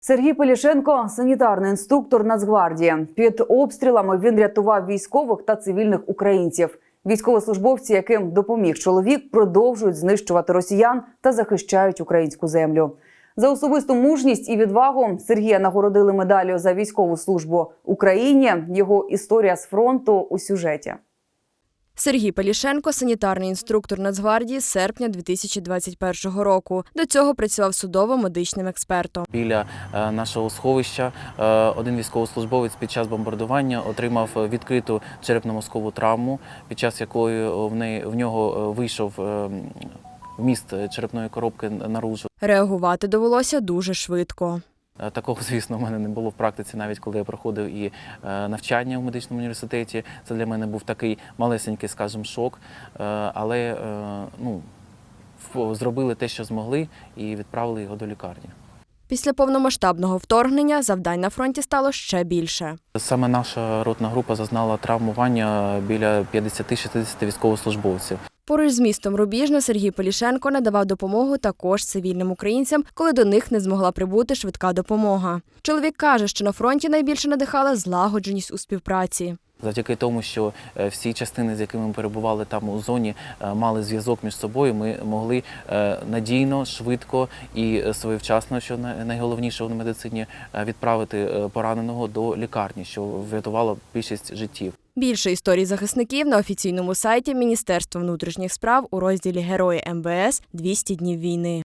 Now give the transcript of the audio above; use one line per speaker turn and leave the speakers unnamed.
Сергій Пелішенко – санітарний інструктор Нацгвардії. Під обстрілами він рятував військових та цивільних українців. Військовослужбовці, яким допоміг чоловік, продовжують знищувати росіян та захищають українську землю. За особисту мужність і відвагу Сергія нагородили медаллю за військову службу Україні. Його історія з фронту у сюжеті.
Сергій Пелішенко – санітарний інструктор Нацгвардії з серпня 2021 року. До цього працював судово-медичним експертом.
Біля нашого сховища один військовослужбовець під час бомбардування отримав відкриту черепно-мозкову травму, під час якої в нього вийшов вміст черепної коробки наружу.
Реагувати довелося дуже швидко.
Такого, звісно, в мене не було в практиці, навіть коли я проходив і навчання в медичному університеті. Це для мене був такий малесенький, скажімо, шок. Але зробили те, що змогли, і відправили його до лікарні.
Після повномасштабного вторгнення завдань на фронті стало ще більше.
Саме наша ротна група зазнала травмування біля 50-60 військовослужбовців.
Поруч з містом Рубіжне Сергій Пелішенко надавав допомогу також цивільним українцям, коли до них не змогла прибути швидка допомога. Чоловік каже, що на фронті найбільше надихала злагодженість у співпраці.
Завдяки тому, що всі частини, з якими ми перебували там у зоні, мали зв'язок між собою, ми могли надійно, швидко і своєвчасно, що найголовніше в медицині, відправити пораненого до лікарні, що врятувало більшість життів.
Більше історій захисників на офіційному сайті Міністерства внутрішніх справ у розділі «Герої МВС. 200 днів війни».